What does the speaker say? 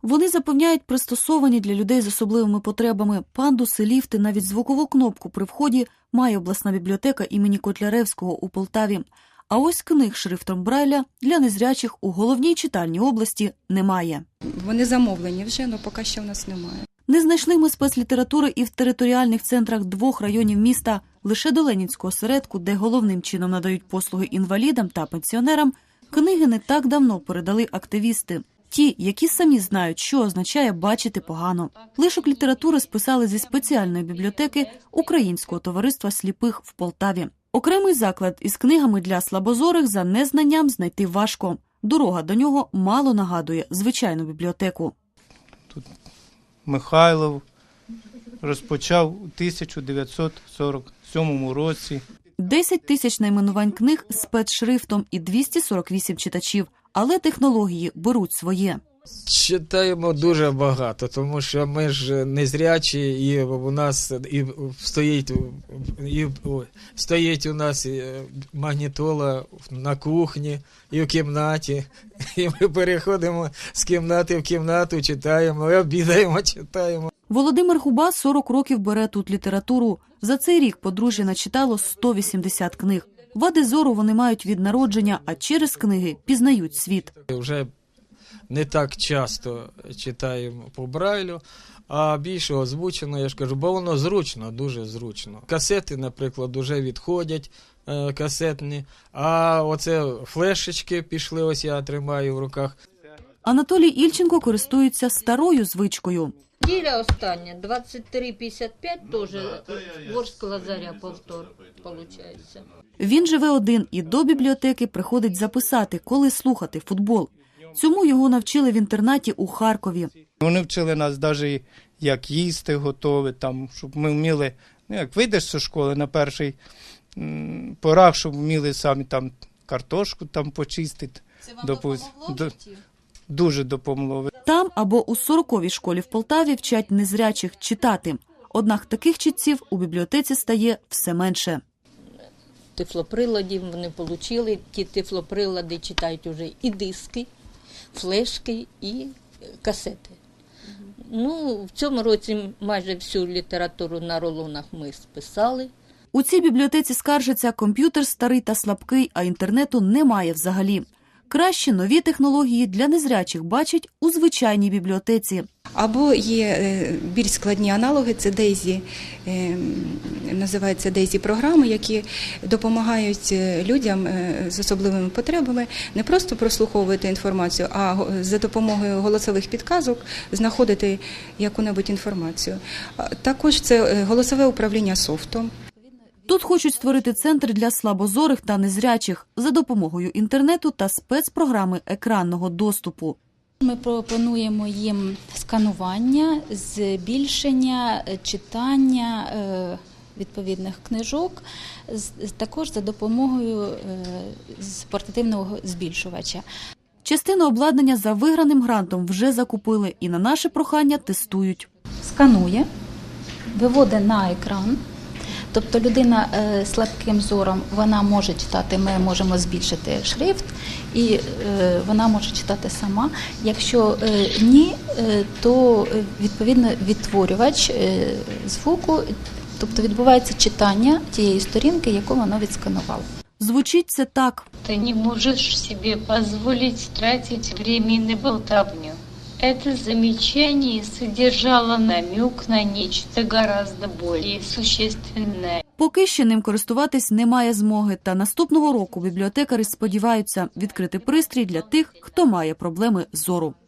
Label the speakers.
Speaker 1: Вони запевняють, пристосовані для людей з особливими потребами. Пандуси, ліфти, навіть звукову кнопку при вході має обласна бібліотека імені Котляревського у Полтаві. А ось книг шрифтом Брайля для незрячих у головній читальні області немає.
Speaker 2: Вони замовлені вже, але поки що в нас немає.
Speaker 1: Не знайшли ми спецлітератури і в територіальних центрах 2 районів міста. Лише до Ленінського осередку, де головним чином надають послуги інвалідам та пенсіонерам, книги не так давно передали активісти. Ті, які самі знають, що означає бачити погано. Лишок літератури списали зі спеціальної бібліотеки Українського товариства сліпих в Полтаві. Окремий заклад із книгами для слабозорих за незнанням знайти важко. Дорога до нього мало нагадує звичайну бібліотеку.
Speaker 3: Тут Михайлов розпочав у 1947 році.
Speaker 1: 10 тисяч найменувань книг з спецшрифтом і 248 читачів. Але технології беруть своє.
Speaker 4: Читаємо дуже багато, тому що ми ж незрячі, і у нас стоїть у нас магнітола на кухні і в кімнаті. І ми переходимо з кімнати в кімнату, читаємо, обідаємо, читаємо.
Speaker 1: Володимир Губа 40 років бере тут літературу. За цей рік подружжя начитало 180 книг. Вади зору вони мають від народження, а через книги пізнають світ.
Speaker 4: Вже не так часто читаємо по Брайлю, а більше озвучено, я ж кажу, бо воно зручно, дуже зручно. Касети, наприклад, вже відходять, касетні, а оце флешечки пішли, ось я тримаю в руках.
Speaker 1: Анатолій Ільченко користується старою звичкою.
Speaker 5: Неділя остання, 23:55, теж Ворскла Лазаря повтор, виходить.
Speaker 1: Він живе один і до бібліотеки приходить записати, коли слухати футбол. Цьому його навчили в інтернаті у Харкові.
Speaker 3: Вони вчили нас навіть, як їсти готові, щоб ми вміли, як вийдеш зі школи на перший порах, щоб вміли самі картошку почистити.
Speaker 1: Це вам допомогло в житті?
Speaker 3: Дуже допомогло.
Speaker 1: Там або у 40-й школі в Полтаві вчать незрячих читати. Однак таких читців у бібліотеці стає все менше.
Speaker 5: Тифлоприладів вони отримали, ті тифлоприлади читають вже і диски, флешки, і касети. В цьому році майже всю літературу на рулонах ми списали.
Speaker 1: У цій бібліотеці скаржаться, комп'ютер старий та слабкий, а інтернету немає взагалі. Краще нові технології для незрячих бачать у звичайній бібліотеці.
Speaker 2: Або є більш складні аналоги, це DAISY, називаються DAISY-програми, які допомагають людям з особливими потребами не просто прослуховувати інформацію, а за допомогою голосових підказок знаходити яку-небудь інформацію. Також це голосове управління софтом.
Speaker 1: Тут хочуть створити центр для слабозорих та незрячих за допомогою інтернету та спецпрограми екранного доступу.
Speaker 6: Ми пропонуємо їм сканування, збільшення, читання відповідних книжок, також за допомогою портативного збільшувача.
Speaker 1: Частину обладнання за виграним грантом вже закупили і на наше прохання тестують.
Speaker 6: Сканує, виводить на екран. Тобто людина з слабким зором, вона може читати, ми можемо збільшити шрифт, і вона може читати сама. Якщо ні, то відповідно відтворювач звуку, тобто відбувається читання тієї сторінки, яку вона відсканувала.
Speaker 1: Звучить це так.
Speaker 7: Ти не можеш собі дозволити тратити час на болтовню. Это замечание содержало намек на нечто гораздо более существенное.
Speaker 1: Поки ще ним користуватись немає змоги, та наступного року бібліотекари сподіваються відкрити пристрій для тих, хто має проблеми зору.